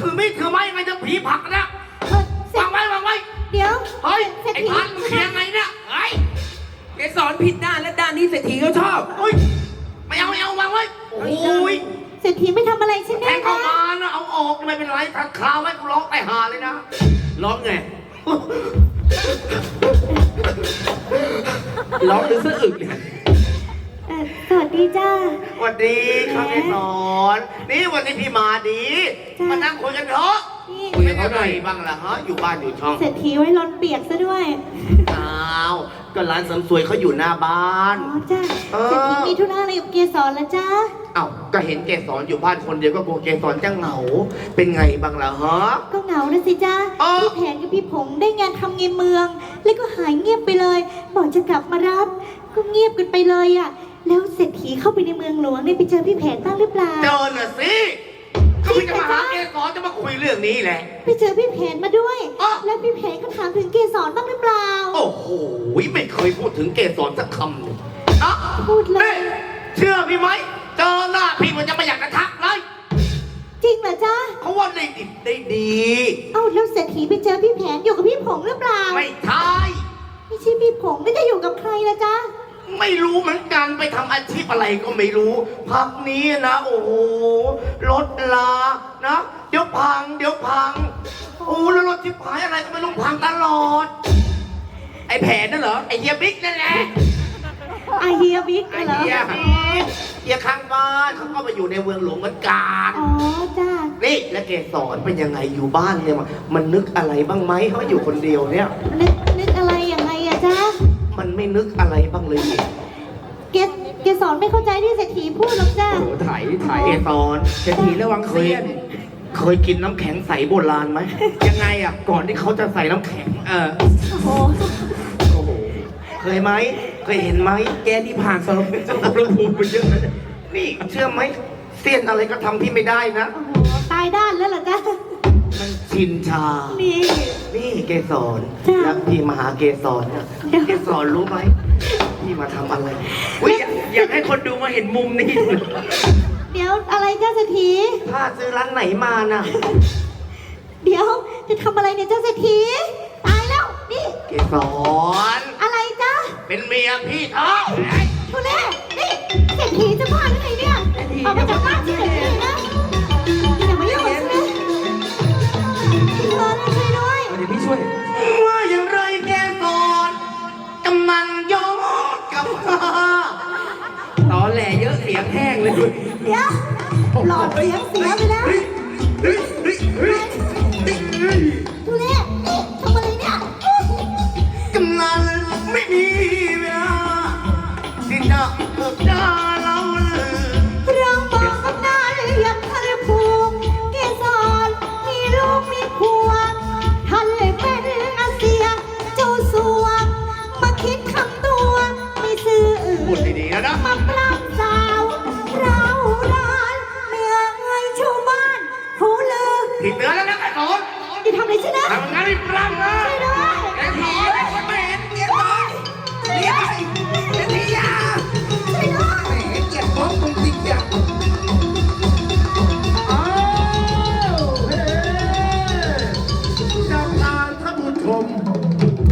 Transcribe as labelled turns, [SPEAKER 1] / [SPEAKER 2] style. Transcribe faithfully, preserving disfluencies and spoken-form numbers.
[SPEAKER 1] ถือมีดถือไม้ยังไงจะผีผลักนะวางไว้วางไว้
[SPEAKER 2] เดี๋ยว
[SPEAKER 1] เฮ้ยไอ้พันมึงเคลียร์ไงเนี่ยเฮ้ย
[SPEAKER 3] แกสอนผิดด้านและด้านนี้เศรษฐีเขาชอบ
[SPEAKER 1] เฮ้ยไม่เอาไม่เอาวางไว้โอ้ย
[SPEAKER 2] เศรษฐีไม่ทำอะไรใช่ไหม
[SPEAKER 1] แทงเข้ามานะเอาออกไม่เป็นไรทักคาไว้กูร้องไปหาเลยนะร้องไง
[SPEAKER 3] ร้องหรือสะอึกเนี่ย
[SPEAKER 2] สวัสดีจ้า
[SPEAKER 1] สวัสดีครับพี่สอนนี่วันนี้พี่มาดีมานั่งคุยกันเถอะคุยกับเขาหน่อยบ้างล่ะฮะอยู่บ้านอยู่ช่อง
[SPEAKER 2] เศรษฐีไว้ร้อนเปียกซะด้วย
[SPEAKER 1] อ้าวก็ร้านเสริมสวยเขาอยู่หน้าบ้าน
[SPEAKER 2] อ๋อจ้าเศรษฐีมีธุระอะไรกับเกสรแล้วจ้า
[SPEAKER 1] อ้าวก็เห็นเกสรอยู่บ้านคนเดียวก็กลัวเกสรจะเหงาเป็นไงบ้างล่ะฮะ
[SPEAKER 2] ก็เหงานะสิจ้าพี่แผนกับพี่ผงได้งานทำในเมืองแล้วก็หายเงียบไปเลยบอกจะกลับมารับก็เงียบกันไปเลยอ่ะแล้วเศรษฐีเข้าไปในเมืองหลวงได้ไปเจอพี่แผนบ้างหรือเปล่า
[SPEAKER 1] เจอน่ะสิก็พี่จะมาหาเกสรจะมาคุยเรื่องนี้แหละ
[SPEAKER 2] ไปเจอพี่แผนมาด้วยแล้วพี่แผนก็ถามถึงเกสรบ้างหรือเปล่า
[SPEAKER 1] โอ้โหไม่เคยพูดถึงเกสรสักคำเลย
[SPEAKER 2] พูดเลย
[SPEAKER 1] เชื่อพี่ไหมเจอหน้าพี่มันจะไม่อยากจะทักเลย
[SPEAKER 2] จริงเหรอจ๊ะ
[SPEAKER 1] เขาว่าได้ดิบได้ดี
[SPEAKER 2] เอ้าแล้วเศรษฐีไปเจอพี่แผนอยู่กับพี่ผงหรือเปล่า
[SPEAKER 1] ไม่ใช่
[SPEAKER 2] ไม่ใช่พี่ผงแล้วจะอยู่กับใครล่ะจ๊ะ
[SPEAKER 1] ไม่รู้เหมือนกันไปทำอาชีพอะไรก็ไม่รู้พักนี้นะโอ้โหรถลานะเดี๋ยวพังเดี๋ยวพังโอ้แล้วรถที่พายอะไรก็ไม่ต้องพังตลอดไอ้แผนนั่นเหรอไอ้เฮียบิ๊กนั่นแหละ
[SPEAKER 2] ไอเฮียบิ๊กเหรอ
[SPEAKER 1] เฮียบิ๊กเฮียข้างบ้านเขาก็มาอยู่ในเมืองหลวงเหมือนกัน
[SPEAKER 2] อ๋อจ้า
[SPEAKER 1] นี่แล้วเกสรเป็นยังไงอยู่บ้านเนี่ยมันนึกอะไรบ้างไหมเขาอยู่คนเดียวเนี่ย
[SPEAKER 2] นึกนึกอะไรยังไงอะจ้า
[SPEAKER 1] มันไม่นึกอะไรบ้างเลย
[SPEAKER 2] เกสเกสรไม่เข้าใจที่เศรษฐีพูดหรอกจ้า
[SPEAKER 3] โอ้ถ่ายถ่าย
[SPEAKER 1] เกสร
[SPEAKER 3] เศรษฐีระวังเสี้ยน
[SPEAKER 1] เคยกินน้ำแข็งใสโบราณไหม
[SPEAKER 3] ยังไงอ่ะ
[SPEAKER 1] ก่อนที่เขาจะใส่น้ำแข็งเออ
[SPEAKER 2] โอ้โห
[SPEAKER 1] โอ้โหเคยไหมเคยเห็นไหม
[SPEAKER 3] แกที่ผ่านสารพัดสารพัดภูมิไปเยอะนะ
[SPEAKER 1] นี่เชื่อไหมเสี้ยนอะไรก็ทำที่ไม่ได้นะ
[SPEAKER 2] โอ้โหตายด้านแล้วเหรอจ๊ะ
[SPEAKER 1] มันชินชา
[SPEAKER 2] นี่
[SPEAKER 1] นี่เกสรแล้วพี่มาหาเกสรเนี่ยเกสรรู้ไหมพี่มาทำอะไร
[SPEAKER 3] อุ้ยอยากให้คนดูมาเห็นมุมนี้
[SPEAKER 2] เดี๋ยวอะไรจ้าเศรษฐี
[SPEAKER 1] ผ้าซื้อร้านไหนมาน่ะ
[SPEAKER 2] เดี๋ยวจะทำอะไรเนี่ยเจ้าเศรษฐีตายแล้วนี่
[SPEAKER 1] เกสร
[SPEAKER 2] อะไรจ้า
[SPEAKER 1] เป็นเมียพี่เธอ
[SPEAKER 2] ทุเล่นี่เศรษฐีจะบ้าหรือไงเนี่ยออกมาจากบ้านเศรษฐีนะอย่ามายุ่งกับฉันนะพี่เธอช่วยด้วย
[SPEAKER 3] เดี๋ยวพี่ช่วย
[SPEAKER 1] ว่าอย่างไรแกสรกำนันยอดกับ
[SPEAKER 3] ตอนแหล่เยอะเสียงแห้งเลย
[SPEAKER 2] เดี๋ยวหลอดเสียงเสียไปแล้วทุเล่นี่ทำอะไรเนี่ย
[SPEAKER 1] กำนันไม่มีเวลาที่จะเกิดดาเรา
[SPEAKER 2] เราบอกกำนันอยากทะเลภูมิเกสรมีลูกมีผัวท่านเลยเป็นอาเซียเจ้าสัวมาคิดคำตัวไม่ซื่อ
[SPEAKER 1] พูดดีๆนะ
[SPEAKER 2] มาปล้ำสาวเราร้านเมียเอ้ยชาวบ้านผู้ลือ
[SPEAKER 1] ผิดเนื้อแล้วนะไอ้สอน
[SPEAKER 2] จะทำอะไรใช่ไหม
[SPEAKER 1] ทำงานไม่ปล้ำนะ